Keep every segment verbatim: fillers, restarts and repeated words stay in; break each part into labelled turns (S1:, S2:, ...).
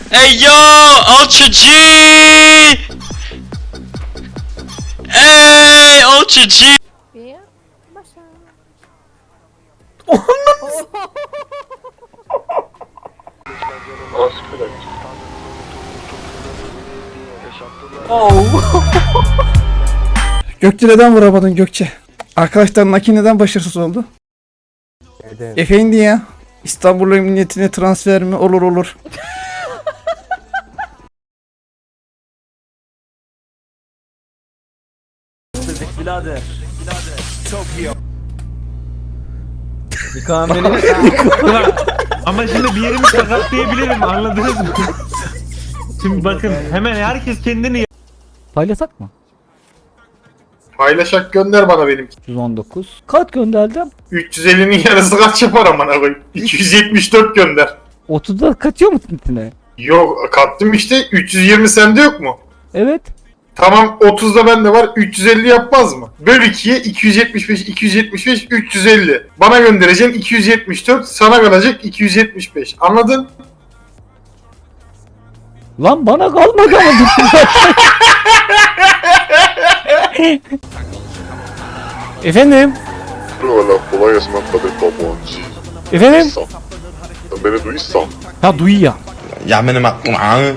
S1: Hey yo, Ultra G! Hey, Ultra G!
S2: Bir başa.
S3: Gökçe neden vuramadın Gökçe? Arkadaşlar Naki neden başarısız oldu?
S4: Neden?
S3: Efendi ya. İstanbul Emniyetine transfer mi? Olur olur.
S4: Birader. Çok iyi.
S5: Ama şimdi bir yerimi sakatlayabilirim, anladınız mı? Şimdi bakın hemen herkes kendini
S6: Paylasak mı?
S7: Paylaşak gönder bana benimki.
S6: yüz on dokuz. Kaç gönderdim?
S7: üç yüz ellinin yarısı kaç yapar amına koyayım? iki yüz yetmiş dört gönder.
S6: otuzda kaçıyor mu tintine?
S7: Yok kattım işte üç yüz yirmi sende yok mu?
S6: Evet.
S7: Tamam otuzda bende var üç yüz elli yapmaz mı? Böl ikiye iki yüz yetmiş beş iki yüz yetmiş beş üç yüz elli. Bana göndereceğim iki yüz yetmiş dört sana kalacak iki yüz yetmiş beş. Anladın?
S6: Lan bana kalmadı ama. Efendim?
S8: Valla kolay gelsin ben Kadir Tabancı.
S6: Efendim?
S8: Sen beni duysan.
S6: Ha duyuyor.
S1: Ya benim aklım ağır.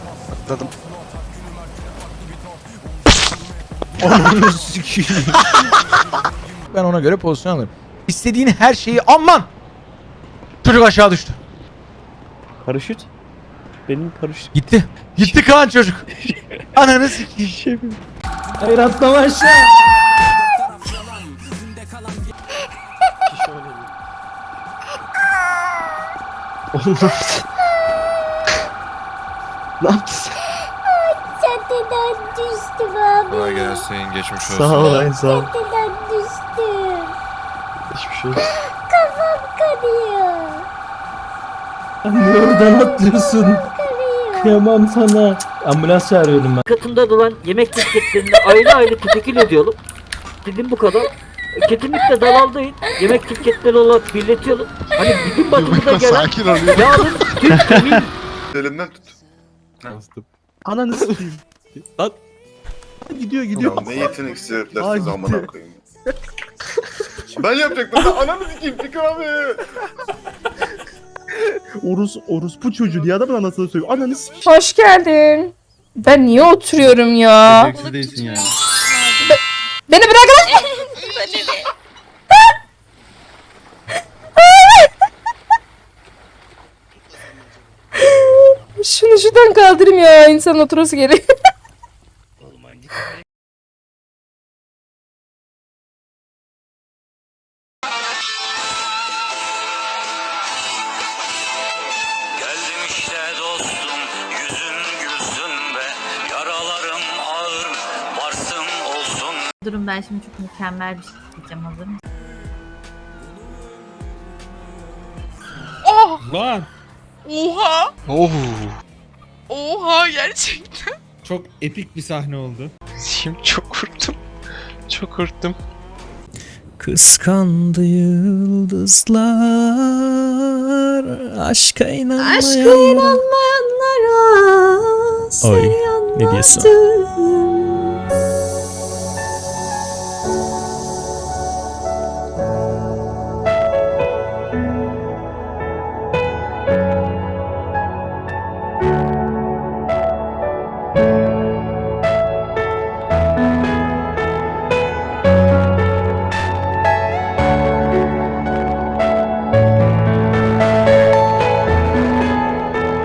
S9: Ben ona göre pozisyon alırım. İstediğin her şeyi aman! Çocuk aşağı düştü.
S4: Paraşüt. Benim paraşüt.
S9: Gitti. Gitti Kaan çocuk. Ananı sikeyim.
S4: Hayır atlama aşağı. Oğlum ne yaptın? Ne yaptın sen?
S2: Çatıdan düştüm abi.
S8: Kolay gelsin geçmiş olsun.
S4: Sağ ol ay sağ ol.
S2: Çatıdan düştüm.
S4: Hiçbir şey yok.
S2: Kafam kanıyor.
S4: Niye oradan atlıyorsun? Kıyamam sana. Ambulans çağırıyorum ben.
S10: Katımda dolan yemek ticketlerini ayrı ayrı tetekil ediyorum. Dedim bu kadar. Kesinlikle dalaldayın. Yemek ticketleri olarak birletiyorum. Hani bizim batımıza gelen
S8: Sakin ol.
S10: yarın Türk emin
S8: Elimden tut.
S4: Ananı sikeyim. Lan. Gidiyor gidiyor.
S8: Ya ne yeteneksiz
S4: Aa,
S8: heriflersiniz
S4: gitti.
S8: amına koyayım. Ben yapacaktım da ananı sikeyim Fikir abi.
S4: Orus, orospu çocuğu diye adamın anasını söylüyor. Ananı sikeyim.
S2: Hoş geldin. Ben niye oturuyorum ya?
S5: Becersiz değilsin yani.
S2: Beni bırak lan. Şunu şuradan kaldırayım ya. İnsan oturası geliyor.
S1: Geldim işte dostum, yüzün gülsün be. Yaralarım ağır, varsın olsun.
S2: Durun ben şimdi çok mükemmel bir şey diyeceğim, hazır mısın?
S5: Lan
S1: Oha!
S8: Oh.
S1: Oha gerçekten.
S5: çok epik bir sahne oldu.
S1: Şimdi çok korktum. Çok korktum.
S3: Kıskandı yıldızlar aşka inanmayan.
S2: Aşka inanmayanlara
S3: Oy, ne diyorsun?
S2: yanmadım.